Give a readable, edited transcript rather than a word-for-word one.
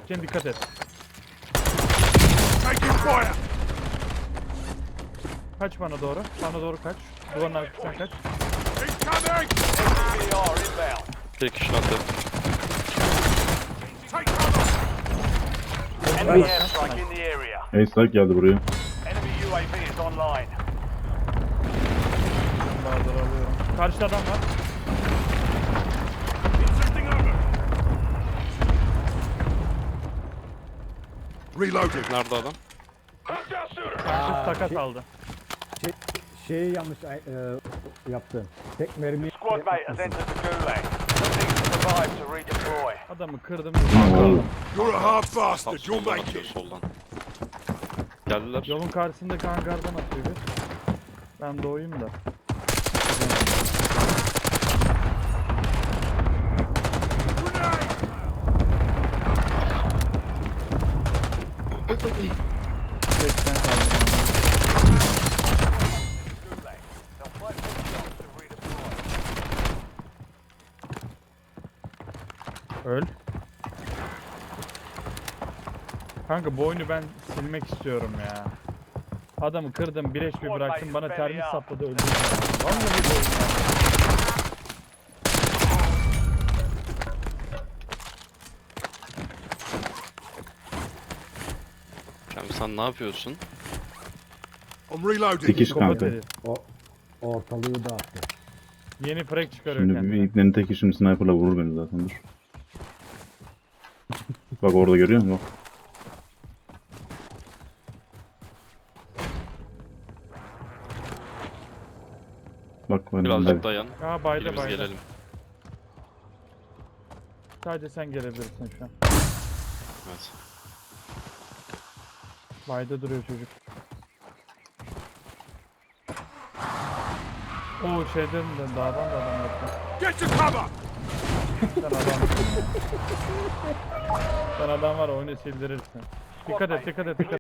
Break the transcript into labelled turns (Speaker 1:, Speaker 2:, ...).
Speaker 1: Sakin, dikkat et.
Speaker 2: Taking fire!
Speaker 1: Kaç bana doğru. Bana doğru kaç. Duvarın arkasından kaç.
Speaker 2: Incoming!
Speaker 3: SCR inbound.
Speaker 4: Bir kişi attı.
Speaker 2: Take cover!
Speaker 3: Enemy airstrike in the area.
Speaker 5: Ace geldi buraya.
Speaker 3: Enemy UAV is online.
Speaker 1: Bazıları alıyorum. Karşıda adam var.
Speaker 2: Insisting over! Reloading!
Speaker 4: Nerede adam?
Speaker 3: Hostile shooter.
Speaker 1: Karşı takas aldı.
Speaker 6: Şeyi yanlış yaptı. Tek mermi
Speaker 3: Squad mate has entered the gulag. Need to survive to redeploy.
Speaker 1: Adamı kırdım.
Speaker 5: Oo.
Speaker 2: You're a hard
Speaker 4: Tam
Speaker 2: bastard, you'll
Speaker 4: soldan
Speaker 2: make
Speaker 4: atıyor
Speaker 2: it!
Speaker 4: soldan. Geldiler.
Speaker 1: Yolun karşısındaki hangardan atıyor bir. Ben doğayım da.
Speaker 2: Grenade!
Speaker 1: Geçten kaldım.
Speaker 3: Gulag. They'll fight for the chance to redeploy.
Speaker 1: Öl. Kanka bu oyunu ben silmek istiyorum ya. Adamı kırdım, 1 HP bıraktım, bana termik sapladı, öldürdüm. Vallahi bu oyun ya.
Speaker 4: Şimdi sen ne yapıyorsun?
Speaker 2: I'm reloading!
Speaker 5: Dikiş
Speaker 1: Psikopat
Speaker 5: kanka.
Speaker 1: herif.
Speaker 6: ortalığı dağıttı.
Speaker 1: Yeni frag çıkarıyor
Speaker 5: Şimdi bir
Speaker 1: kendine.
Speaker 5: iplerin teki şimdi sniper'la vurur beni zaten, dur. Bak orada görüyor musun? Bak ben
Speaker 4: Birazcık dayan.
Speaker 1: Aa bayda
Speaker 4: Birimiz
Speaker 1: bayda.
Speaker 4: gelelim.
Speaker 1: Sadece sen gelebilirsin şu an.
Speaker 4: Evet.
Speaker 1: Bayda duruyor çocuk. Oo şeyden de dağdan da adam yaptı.
Speaker 2: Get to cover!
Speaker 1: Sen adam. Sen adam var, oyunu sildirirsin. Dikkat et, dikkat et, dikkat et.